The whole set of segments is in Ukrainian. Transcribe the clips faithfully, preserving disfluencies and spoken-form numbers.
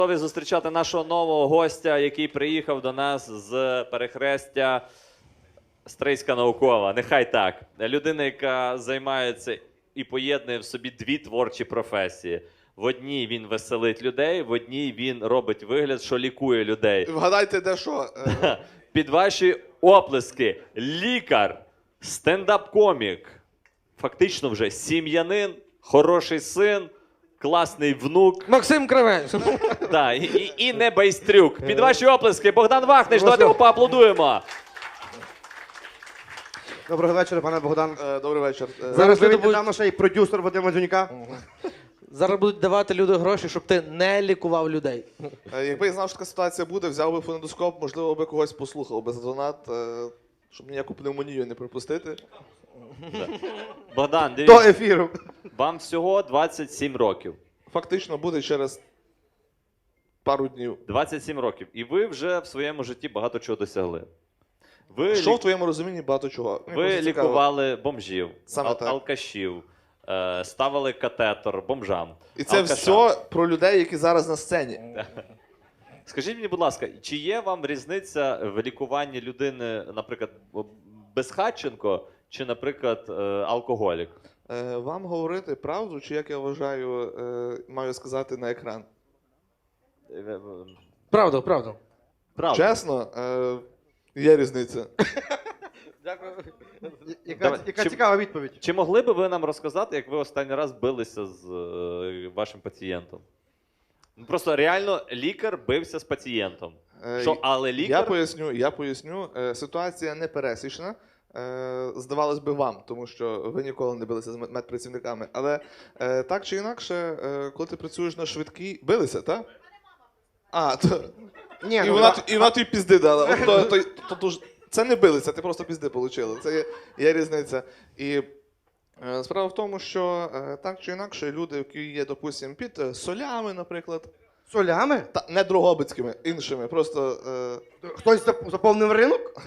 Готові зустрічати нашого нового гостя, який приїхав до нас з перехрестя Стрийська наукова. Нехай так. Людина, яка займається і поєднує в собі дві творчі професії. В одній він веселить людей, в одній він робить вигляд, що лікує людей. Вгадайте, де що? Під ваші оплески лікар, стендап-комік, фактично вже сім'янин, хороший син, класний внук. Максим Кривець. Да, і, і, і не байстрюк. Під ваші оплески Богдан Вахнич, давайте його поаплодуємо. Доброго вечора, пане Богдан. Е, Добрий вечір. Е, Зараз Зараз люди ви будуть- недавно ще й продюсер Вадима Дзюнька. Зараз будуть давати люди гроші, щоб ти не лікував людей. е, Якби я знав, що така ситуація буде, взяв би фонендоскоп, можливо, би когось послухав би за донат, е, щоб ніяку пневмонію не пропустити. Богдан, До дивіться, ефіру. вам всього двадцять сім років. Фактично буде через пару днів. двадцять сім років. І ви вже в своєму житті багато чого досягли. Ви, Що в лік... твоєму розумінні багато чого? Мені ви просто цікаво. лікували бомжів, Саме ал- так. алкашів, е, ставили катетер бомжам. І це алкашам. все про людей, які зараз на сцені. Скажіть мені, будь ласка, чи є вам різниця в лікуванні людини, наприклад, безхатченко, чи, наприклад, е, алкоголік? Е, Вам говорити правду, чи як я вважаю, е, маю сказати на екран? Е, е, Правда, правда. Правда. Чесно, е, є різниця. Дякую. Яка, Давай, яка чи- цікава відповідь. Чи могли би ви нам розказати, як ви останній раз билися з е, вашим пацієнтом? Ну, просто реально лікар бився з пацієнтом. Е, Що, але Я лікар... поясню, я поясню. Е, Ситуація не пересічна. Е, Здавалось би вам, тому що ви ніколи не билися з мед- медпрацівниками. Але е, так чи інакше, е, коли ти працюєш на швидкій, билися, так? А, то... Ні, і, ну, вона, і вона тобі пізди дала. От, то, то, то, то, ж- це не билися, ти просто пізди отримали. Це є, є різниця. І е, справа в тому, що е, так чи інакше, люди, які є, допустимо, під е, солями, наприклад, солями? та не дрогобицькими, іншими, просто. Е, Хтось зап- заповнив ринок?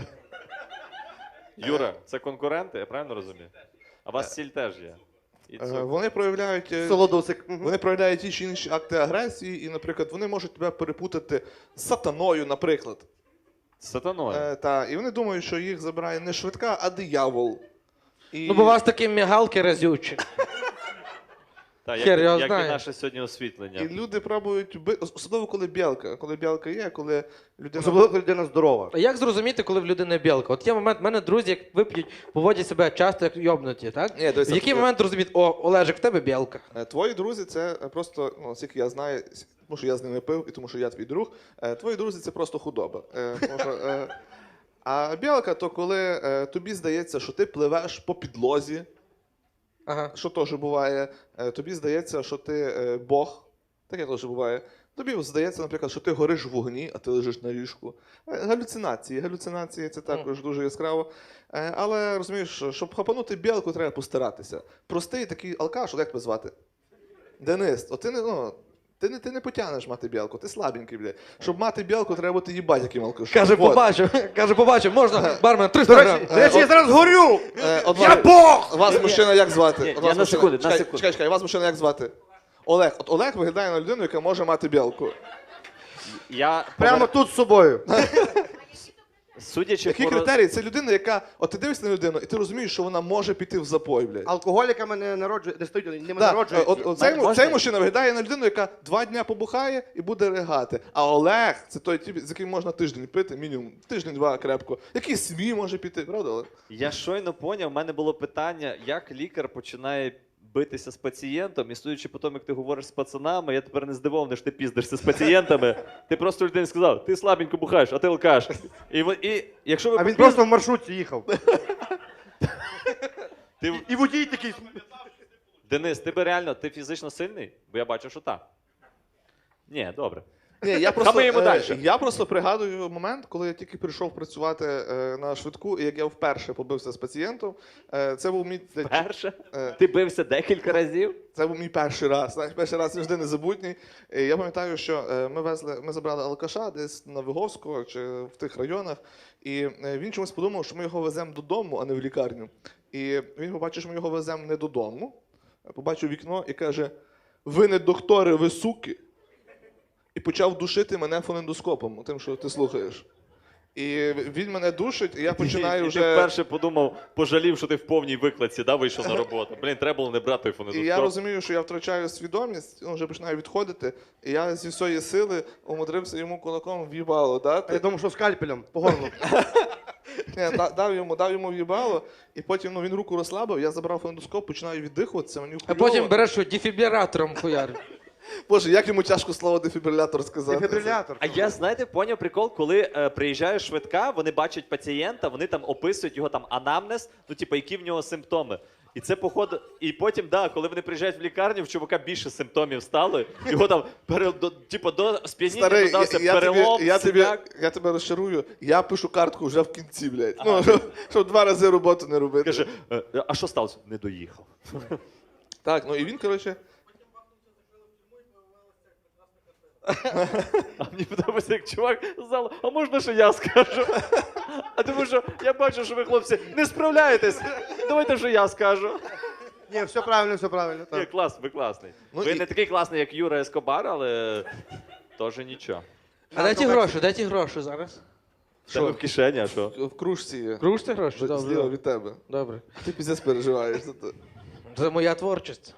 Юра, це конкуренти, я правильно розумію? А у вас сіль теж є. І Е, цукор. Вони проявляють, е, Солодосик. Мгм. вони проявляють ті чи інші акти агресії, і, наприклад, вони можуть тебе перепутати з сатаною, наприклад. З сатаною. Е, та, і вони думають, що їх забирає не швидка, а диявол. І... Ну, бо у вас такі мігалки разючі. Так, хер як, його як і знає. наше сьогодні освітлення. і люди пробують, би- особливо коли білка. Коли білка є, коли людина. Особливо, коли людина здорова. А як зрозуміти, коли в людини білка? От є момент, в мене друзі, як вип'ють, поводять себе часто як йобнуті, так? Ні, дивися, В який е, момент розуміти, о, Олежик, в тебе білка? Е, Твої друзі це е, просто, ну, наскільки я знаю, с- тому що я з ними пив і тому що я твій друг. е, Твої друзі це просто худоба. Е, тому що, е, А білка то коли е, тобі здається, що ти пливеш по підлозі, Ага. що теж буває. Е, Тобі здається, що ти е, Бог. Таке теж буває. Тобі здається, наприклад, що ти гориш в вогні, а ти лежиш на ліжку. Е, Галюцинації. Галюцинації це також дуже яскраво. Е, Але розумієш, щоб хапанути білку, треба постаратися. Простий такий алкаш, як тебе звати? Денис, от ти не, ну, ти не, ти не потягнеш мати білку, ти слабенький, бля. Щоб мати білку, треба бути їбать яким алкашом. Каже, Вот. побачив, каже, побачив, можна, бармен, До триста речі, грам. до речі, я зараз горю! Е, от Я вас- Бог! Вас мужчина як звати? Ні, От я вас на мужчина- секунду, на чекай, секунду. Чекай, чекай, вас мужчина як звати? Олег. От Олег виглядає на людину, яка може мати білку. Я, Прямо тут з собою. судячи Які по... критерії? Це людина, яка. От ти дивишся на людину, і ти розумієш, що вона може піти в запой, блядь. Алкоголіками не народжують, не стають, ними Да, народжують. от, от цей, Можна? цей мужчина виглядає на людину, яка два дня побухає і буде ригати. А Олег це той тип, з яким можна тиждень пити, мінімум тиждень-два крепко. Який свій може піти, правда? Олег? Я щойно поняв, в мене було питання, як лікар починає битися з пацієнтом, і судячи по тому, як ти говориш з пацанами, я тепер не здивований, що ти піздишся з пацієнтами. Ти просто людині сказав, ти слабенько бухаєш, а ти алкаш. І, ви- і якщо ви А він попіз- просто в маршрутці їхав. ти, І водій такий. Денис, ти би реально, ти фізично сильний? Бо я бачу, що так. Ні, добре. Ні, я просто, Хамиємо е, дальше. я просто пригадую момент, коли я тільки прийшов працювати е, на швидку, і як я вперше побився з пацієнтом. Е, це був мій Перше, е, ти бився декілька разів. Це був мій перший раз. Знаєш, перший раз завжди незабутній. І я пам'ятаю, що е, ми везли, ми забрали алкаша десь на Виговського чи в тих районах, і е, він чомусь подумав, що ми його веземо додому, а не в лікарню. І він побачив, що ми його веземо не додому, побачив вікно і каже: ви не доктори, ви суки. і почав душити мене фонендоскопом, тим, що ти слухаєш. І він мене душить, і я починаю і, і вже. ти вперше подумав, пожалів, що ти в повній викладці, да, вийшов на роботу. Блін, треба було не брати той І фонендоскоп. я розумію, що я втрачаю свідомість, ну, вже починаю відходити, і я зі всієї сили умудрився йому кулаком в'їбало А я дати. думав, що скальпелем по горлу. Ні, да- дав йому, дав йому в'їбало, і потім ну, він руку розслабив, я забрав фонендоскоп, починаю віддихуватися, мені А хуйово. потім береш що, дефібратором хуяр. Боже, як йому тяжко слово дефібрилятор сказати. Дефібрилятор. А я, знаєте, поняв прикол, коли е, приїжджає швидка, вони бачать пацієнта, вони там описують його там анамнез, ну, типу, які в нього симптоми. І це, походу, і потім, да, коли вони приїжджають в лікарню, в чувака більше симптомів стало, його там, пере, до, типу, до сп'яніння Старий, додався я, я, перелом, тобі, я, тобі, синяк. я тебе розчарую, я пишу картку вже в кінці, блядь. Ну, щоб, щоб два рази роботу не робити. Каже, «Е, а що сталося? Не доїхав. Так, ну і він, коротше, А мені подобається, як чувак з залу, а можна, що я скажу? А тому що я бачу, що ви, хлопці, не справляєтесь. Давайте, що я скажу. Ні, все правильно, все правильно. Ні, Так. клас, ви класний. Ну ви і- не такий класний, як Юра Ескобар, але теж нічого. А де ті гроші? Де ті гроші зараз? Що? В кишені, а що? в кружці є. Кружте гроші? Зліва Добре. від тебе. Добре. Ти піздець переживаєш за це. Це моя творчість.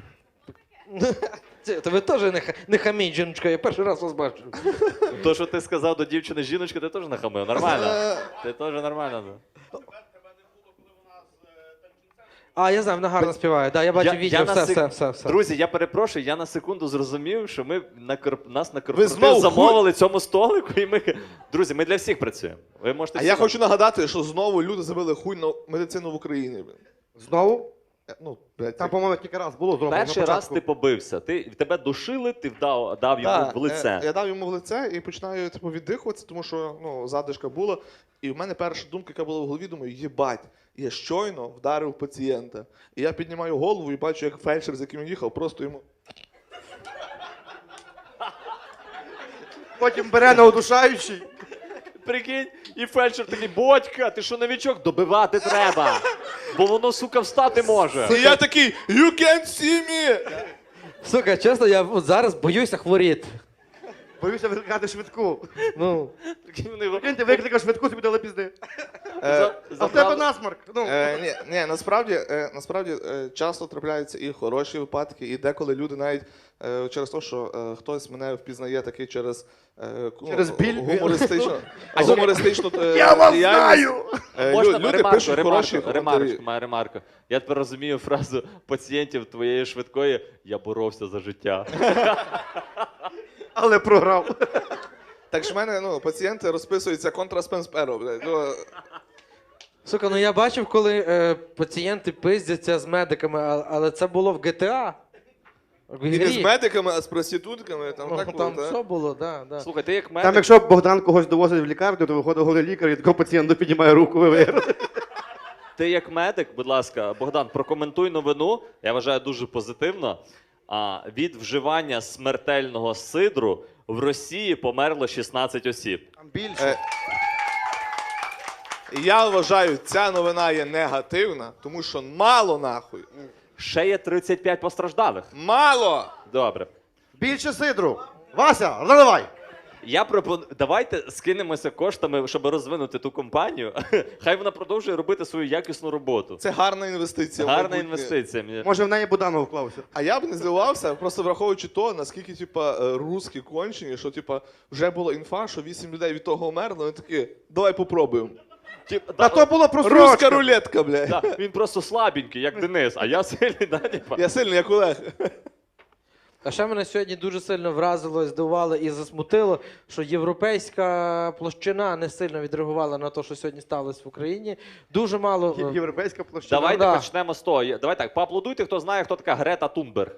Це, то ви теж не, ха- не хаміть, жіночка, я перший раз вас бачу. То, що ти сказав до дівчини жіночка, ти теж нахамив. Нормально. Е, Ти теж нормально. да. А, я знаю, вона гарно співає. Да, я бачу Я- відео, я на все, сек- все, все, все. Друзі, я перепрошую, я на секунду зрозумів, що ми на корп... нас на знову корпоратив замовили цьому столику, і ми. Друзі, ми для всіх працюємо. Ви можете А всі я нам- хочу нагадати, що знову люди забили хуй на медицину в Україні. блін. Знову? Е, Ну, блядь, Там, це- по-моєму, кілька раз було зроблено. Перший на раз початку. ти побився. Ти тебе душили, ти вдав дав йому Так, в лице. е, Я дав йому в лице і починаю типу, віддихуватися, тому що ну, задишка була. І в мене перша думка, яка була в голові, думаю, їбать, я щойно вдарив пацієнта. І я піднімаю голову і бачу, як фельдшер, з яким він їхав, просто йому. Потім бере на удушаючий. Прикинь, і фельдшер такий, бодька, ти що новічок? Добивати треба. Бо воно, сука, встати може. І я такий, you can't see me! Сука, чесно, я от зараз боюся хворіти. Боюся викликати швидку. Ну, Прикинь, вони його- Прикинь, ти викликав швидку, тобі дали пізди. Е, За- А в забрали- тебе насморк. Ну. Е, ні, ні, насправді, е, насправді е, часто трапляються і хороші випадки, і деколи люди навіть е, через те, що е, хтось мене впізнає такий через, е, ну, Через біль? гумористичну, А гумористичну е, Я вас діяльність. знаю! Е, Можна лю- люди ремарку, пишуть ремарку, хороші ремарочку, коментарі. моя ремарка. Я тепер розумію фразу пацієнтів твоєї швидкої «я боровся за життя». Але програв. Так ж в мене ну, пацієнти розписуються контраспенсперо, блядь. Ну, сука, ну я бачив, коли е, пацієнти пиздяться з медиками, а- але це було в ге те а. В і не з грі. медиками, а з проститутками. Там, Ну, так було, там так? все було, да, да. Слухай, ти як Там, медик, якщо Богдан когось довозить в лікарню, то виходить голий лікар і такого пацієнта піднімає руку, ви виграли. ти як медик, будь ласка, Богдан, прокоментуй новину, я вважаю дуже позитивно. А, від вживання смертельного сидру в Росії померло шістнадцять осіб. Там більше. Е, Я вважаю, ця новина є негативна, тому що мало нахуй. Ще є тридцять п'ять постраждалих. Мало! Добре. Більше сидру. Вася, заливай. Я пропоную, давайте скинемося коштами, щоб розвинути ту компанію. Хай вона продовжує робити свою якісну роботу. Це гарна інвестиція. в Гарна майбутнє. інвестиція. Мені- Може в неї Буданов вклався. А я б не здивувався, просто враховуючи то, наскільки типа е, русські кончені, що типа вже була інфа, що вісім людей від того вмерли, вони такі, давай попробуємо. Тіп- Та да, то було Руська просрочка. рулетка, блядь. да, він просто слабенький, як Денис, а я сильний, да, типа? Я сильний, як Олег. А ще мене сьогодні дуже сильно вразило, здивувало і засмутило, що європейська площина не сильно відреагувала на те, що сьогодні сталося в Україні. Дуже мало. Є- Європейська площина. Давайте да. почнемо з того. Давай так, поаплодуйте, хто знає, хто така Грета Тунберг.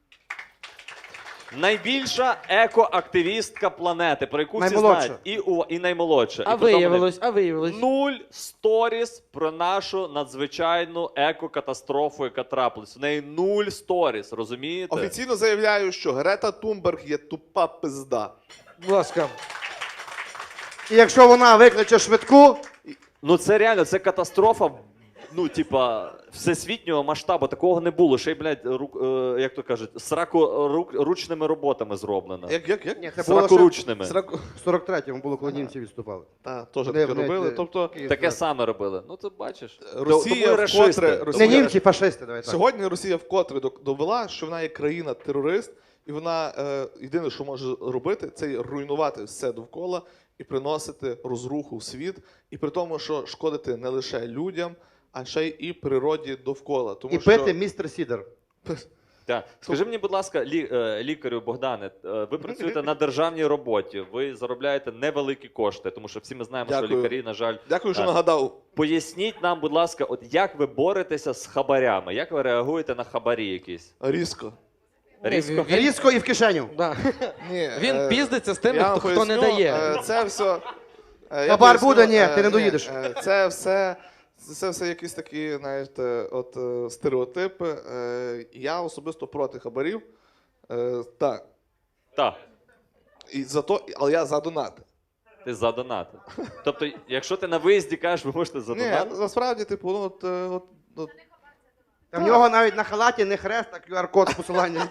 Найбільша екоактивістка планети, про яку всі Наймолодша. знають. І, у, і наймолодша. А І при тому виявилось, а виявилось. Нуль сторіс про нашу надзвичайну екокатастрофу, яка трапилась. В неї нуль сторіс, розумієте? Офіційно заявляю, що Грета Тунберг є тупа пизда. Будь ласка. І якщо вона викличе швидку, Ну це реально, це катастрофа ну, типа, всесвітнього масштабу такого не було. Ще й, блядь, рук, е, як то кажуть, срако рук, ручними роботами зроблено. Як, як, як? Ні, це було ще Сракоручними. Сраку... в сорок третьому було, коли німці відступали. Так, теж Вони, таке блядь, робили. е, Тобто, Київ, Таке так. саме робили. Ну, ти бачиш. Росія Тому і вкотре- рашисти. Росія- Не німці, фашисти, давай так. сьогодні Росія вкотре док- довела, що вона є країна-терорист, і вона е, єдине, що може робити, це руйнувати все довкола і приносити розруху в світ, і при тому, що шкодити не лише людям, а ще й і природі довкола. Тому І що пити містер Сідер. Так. Скажи мені, будь ласка, лі, е, лікарю Богдане, е, ви працюєте на державній роботі, ви заробляєте невеликі кошти, тому що всі ми знаємо, що Дякую. лікарі, на жаль. дякую, що Так. нагадав. Поясніть нам, будь ласка, от як ви боретеся з хабарями? Як ви реагуєте на хабарі якісь? Різко. Різко? Він- Різко і в кишеню. Да. Ні, Він е, піздиться з тими, я вам хто, хто не поясню, дає. е, Це все. е, я Хабар поясню, буде? Ні, е, ти не доїдеш. е, Це все. Це все якісь такі, знаєте, от е, стереотипи. Е, Я особисто проти хабарів. Е, Так. Так. І за то, але я за донати. Ти за донати. Тобто, якщо ти на виїзді кажеш, ви можете Ні, задонати? насправді, типу, ну от, е, от, от Та в нього навіть на халаті не хрест, а ку ар код з посиланням.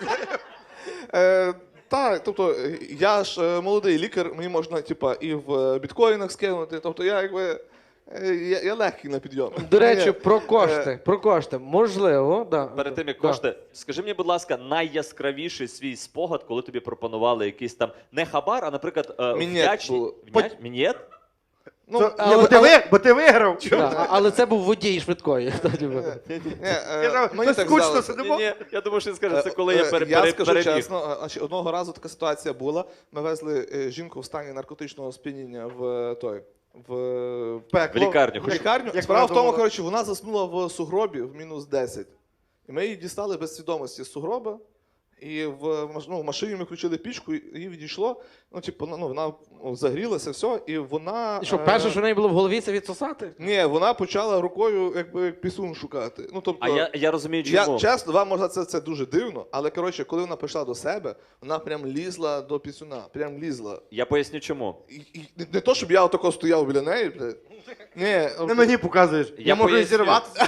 Е, так, тобто е, я ж е, молодий лікар, мені можна типа, і в е, біткоїнах скинути. Тобто я якби е, я, я легкий на підйом. До речі, Ні, про кошти. Про кошти. Можливо, да. Перед тим, як Да. кошти, скажи мені, будь ласка, найяскравіший свій спогад, коли тобі пропонували якийсь там не хабар, а, наприклад, е, Мінет вдячні... було. Вдяч... Мінет? Ну, Це- але- Ні, бо ти але- ви- бо ти виграв. Да, а- але це був водій швидкої. ні, е, Я знаю, мені то так скучно здалося. сидимо. Ні, ні, я думаю, що він скаже, це коли я Е, пере, я пере, скажу перебіг. чесно, е, значить, одного разу така ситуація була. Ми везли е, жінку в стані наркотичного сп'яніння в е, той. В, В Пекло. лікарню. в лікарню. Як Справа вона в тому, думала. коротше, вона заснула в сугробі в мінус десять. І ми її дістали без свідомості з сугроба. І в, маш- ну, в машині ми включили пічку, і її відійшло. Ну, типу, ну, вона ну, загрілася, все, і вона. І що, е, перше, що в неї було в голові, це відсосати? Ні, вона почала рукою якби пісун шукати. Ну, тобто, А я, я розумію, я, чому. чесно, вам може це, це дуже дивно, але коротше, коли вона прийшла до себе, вона прям лізла до пісюна, прям лізла. Я поясню, чому. І, і, не, не то, щоб я отако стояв біля неї, блядь. Ні, Не мені показуєш. Я Я можу і поясню. зірватися.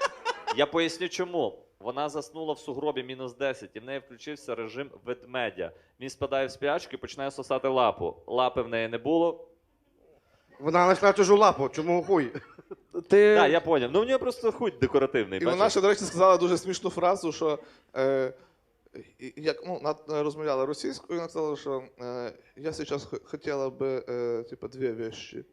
Я поясню, чому. Вона заснула в сугробі мінус десять, і в неї включився режим ведмедя. Він спадає в спячку і починає сосати лапу. Лапи в неї не було. Вона знайшла чужу лапу, чому хуй? Ти... Так, я поняв. Ну, в нього просто хуй декоративний. і бачиш? вона ще, до речі, сказала дуже смішну фразу, що е, і- як ну, вона розмовляла російською, вона сказала, що е, я зараз х- хотіла би е, типа, дві речі.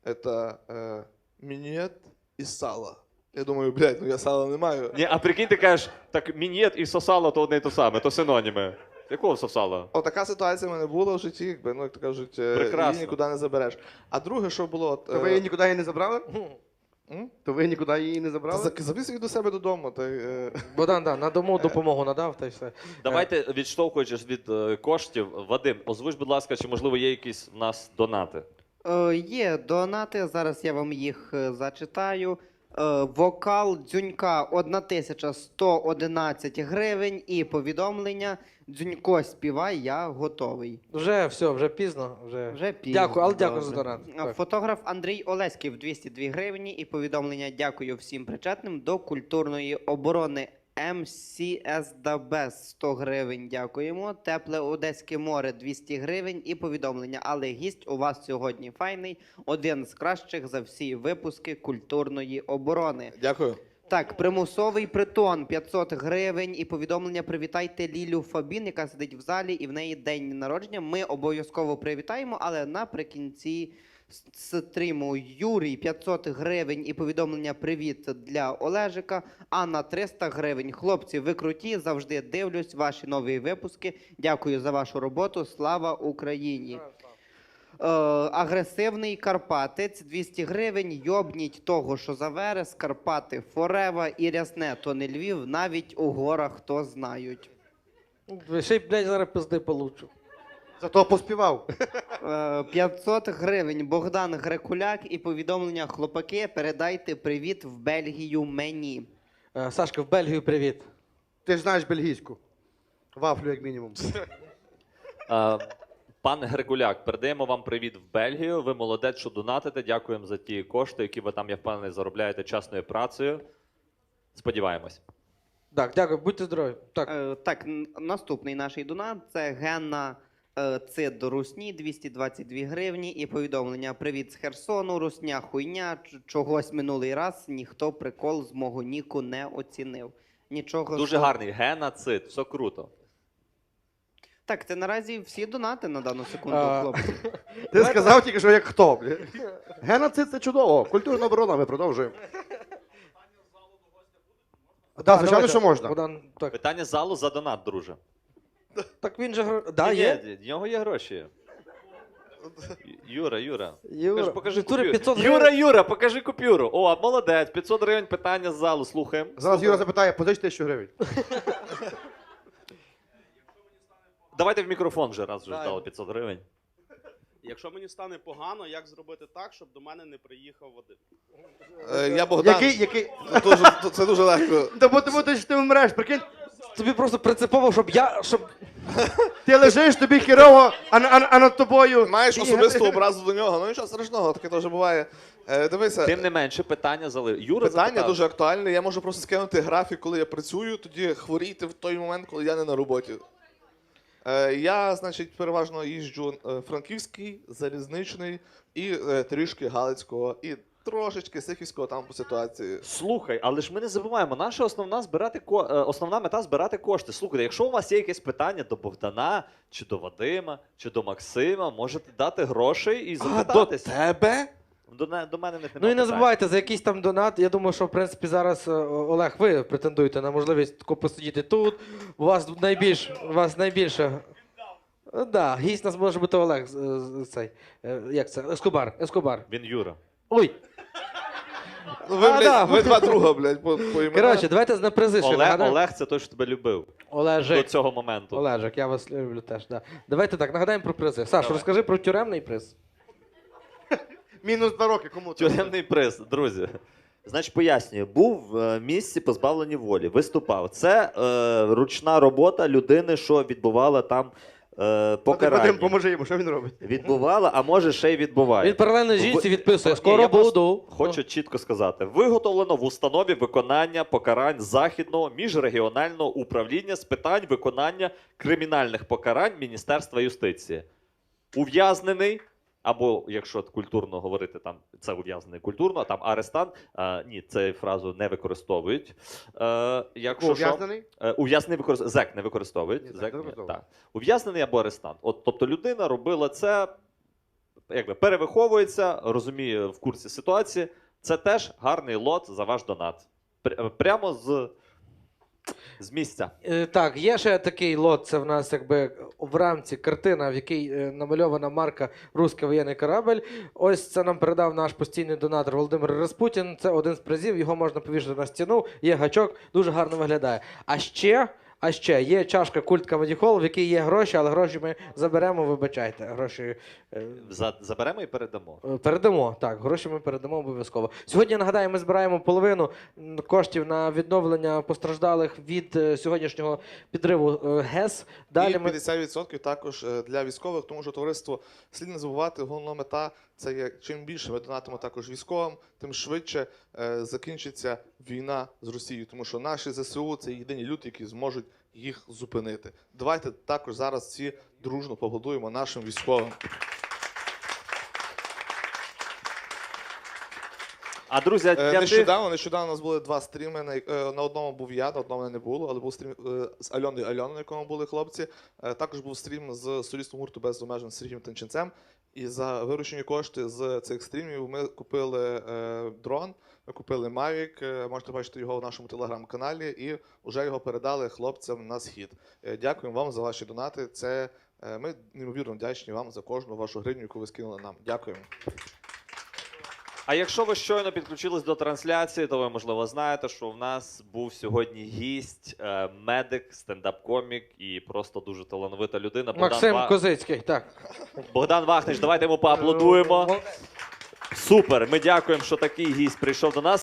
Це е, мінет і сало. Я думаю, блядь, ну я сала не маю. Ні, а прикинь, ти кажеш, так мінет і сосало то одне і то саме, то синоніми. Якого сосало? О, така ситуація в мене була в житті, якби, ну, як то кажуть, е, Прекрасно. її нікуди не забереш. А друге, що було, от, То ви її е, нікуди її не забрали? м? То ви нікуди її не Та забрали? за- завіз їх до себе додому. Та, й, е, Богдан, да, на дому допомогу надав, та й все. Давайте, відштовхуючись від е, коштів, Вадим, озвуч, будь ласка, чи можливо є якісь в нас донати? Е, Є донати, зараз я вам їх е, зачитаю. Е, Вокал Дзюнька тисяча сто одинадцять гривень і повідомлення Дзюнько співай, я готовий. Вже все, вже пізно. Вже. Вже пізно. Дякую, але дякую за Добре. донат. Е, Так. Фотограф Андрій Олеськів двісті дві гривні і повідомлення дякую всім причетним до культурної оборони. ем сі ес Дабес сто гривень, дякуємо. Тепле Одеське море двісті гривень і повідомлення. Але гість у вас сьогодні файний, один з кращих за всі випуски культурної оборони. Дякую. Так, примусовий притон п'ятсот гривень і повідомлення привітайте Лілю Фабін, яка сидить в залі і в неї день народження. Ми обов'язково привітаємо, але наприкінці с- стріму Юрій п'ятсот гривень і повідомлення привіт для Олежика. Анна триста гривень. Хлопці, ви круті, завжди дивлюсь ваші нові випуски. Дякую за вашу роботу. Слава Україні. Е, агресивний Карпатець двісті гривень. Йобніть того, що за верес, Карпати, Форева і рясне, то не Львів, навіть у горах то знають. Ще й, блядь, зараз пизди получу. Зато поспівав. Е, п'ятсот гривень. Богдан Грекуляк і повідомлення хлопаки, передайте привіт в Бельгію мені. Е, Сашка, в Бельгію привіт. Ти ж знаєш бельгійську. Вафлю, як мінімум. А, Пан Григуляк, передаємо вам привіт в Бельгію. Ви молодець, що донатите. Дякуємо за ті кошти, які ви там, я впевнений, заробляєте чесною працею. Сподіваємось. Так, дякую, будьте здорові. Так. Е, так, н- наступний наш донат це Генна е, Цид до Русні, двісті двадцять дві гривні. І повідомлення: привіт з Херсону, Русня хуйня, ч- чогось минулий раз ніхто прикол з мого ніку не оцінив. Нічого. Дуже що- гарний геноцид, все круто. Так, це наразі всі донати на дану секунду, А, хлопці. Ти сказав тільки, що як хто. бля. Геноцид це чудово. Культурна оборона, ми продовжуємо. Так, звичайно, давайте, що можна. Богдан, так. Питання з залу за донат, друже. Так він же гро- да, Ні, є. ні, в нього є гроші. Юра, Юра. Юра, Покажи, покажи в натурі купюру. п'ятсот Юра, гривень. Юра, покажи купюру. О, молодець, п'ятсот гривень, питання з залу, слухаємо. Зараз Юра запитає, позич тисячу гривень. Давайте в мікрофон вже, раз вже Дай. дали п'ятсот гривень. Якщо мені стане погано, як зробити так, щоб до мене не приїхав Вадим? Е, Я Богдан. Який, який... Це дуже, це дуже легко. Та бо тому ти ж ти вмреш, прикинь, Тобі просто принципово, щоб я. Щоб... ти лежиш, тобі хірово, а, на- а, а над тобою... Маєш І- особисту образу до нього, ну нічого страшного, таке теж буває. Е, Дивися, Тим не менше, питання зали. Юра питання запитав. дуже актуальне. Я можу просто скинути графік, коли я працюю, тоді хворіти в той момент, коли я не на роботі. Е, Я, значить, переважно їжджу е, Франківський, Залізничний і е, трішки Галицького, і трошечки Сихівського там по ситуації. Слухай, але ж ми не забуваємо, наша основна збирати ко... е, основна мета збирати кошти. Слухайте, якщо у вас є якесь питання до Богдана, чи до Вадима, чи до Максима, можете дати грошей і А, до запитатись. тебе? До, не- до мене в них Ну і немає не питань. забувайте за якийсь там донат. Я думаю, що в принципі зараз е, Олег, ви претендуєте на можливість тако посидіти тут. У вас найбільш у вас найбільше. Так, да, гість нас може бути Олег. з- з- Цей. е, Як це? Ескобар. Ескобар. Він Юра. Ой. Ну, ви, А, блядь, да. ви два друга, блядь, по, по іменах. Коротше, давайте на призи ще Олег, нагадаємо. Олег це той, що тебе любив до Олежик. цього моменту. Олежик, я вас люблю теж. Да. Давайте так, нагадаємо про призи. Саш, Давай. розкажи про тюремний приз. Мінус два роки, кому це? Тюремний приз, друзі. Значить, пояснюю, був в місці позбавлення волі, виступав. Це е, ручна робота людини, що відбувала там е, Вадим, покарання. поможи йому, що він робить? Відбувала, а може ще й відбуває. Він паралельно жінці Ви- відписує. Ні, Скоро я просто буду. Хочу чітко сказати: виготовлено в установі виконання покарань Західного міжрегіонального управління з питань виконання кримінальних покарань Міністерства юстиції. Ув'язнений, або якщо культурно говорити, там це ув'язнений культурно, а там арестант. А, ні, цю фразу не використовують. Е, якщо що, Ув'язнений? Е, Ув'язнений використовує. Зек не використовують. Ні, зек Зек не ні, використовує. так. Ув'язнений або арестант. От, тобто людина робила це, якби перевиховується, розуміє в курсі ситуації. Це теж гарний лот за ваш донат. Пр- Прямо з, з місця. Е, Так, є ще такий лот, це в нас якби в рамці картина, в якій е, намальована марка «Руський воєнний корабель». Ось це нам передав наш постійний донатор Володимир Распутін. Це один з призів, його можна повішати на стіну, є гачок, дуже гарно виглядає. А ще, а ще є чашка Культ Comedy Hall, в якій є гроші, але гроші ми заберемо, вибачайте. Гроші е, За, заберемо і передамо. Е, Передамо, так, гроші ми передамо обов'язково. Сьогодні, нагадаю, ми збираємо половину м, коштів на відновлення постраждалих від е, сьогоднішнього підриву е, ГЕС. Далі І ми... п'ятдесят відсотків також е, для військових, тому що товариство слід не забувати, головна мета це є чим більше ми донатимо також військовим, тим швидше е, закінчиться війна з Росією, тому що наші ЗСУ це єдині люди, які зможуть їх зупинити. Давайте також зараз всі дружно поаплодуємо нашим військовим. А друзі, Е, для тих... Нещодавно, нещодавно у нас були два стріми. На, е, на одному був я, на одному не було, але був стрім е, з Альоною Альоною, на якому були хлопці. Е, Також був стрім з солістом гурту без обмежень Сергієм Танченцем. І за виручені кошти з цих стрімів ми купили е, дрон, ми купили Mavic, е, можете бачити його в нашому телеграм-каналі, і вже його передали хлопцям на схід. Е, дякуємо вам за ваші донати. Це е, ми неймовірно вдячні вам за кожну вашу гривню, яку ви скинули нам. Дякуємо. А якщо ви щойно підключились до трансляції, то ви, можливо, знаєте, що в нас був сьогодні гість, е, медик, стендап-комік і просто дуже талановита людина. Богдан, Максим Ва... Козицький, так. Богдан Вахнич, давайте йому поаплодуємо. Супер, ми дякуємо, що такий гість прийшов до нас.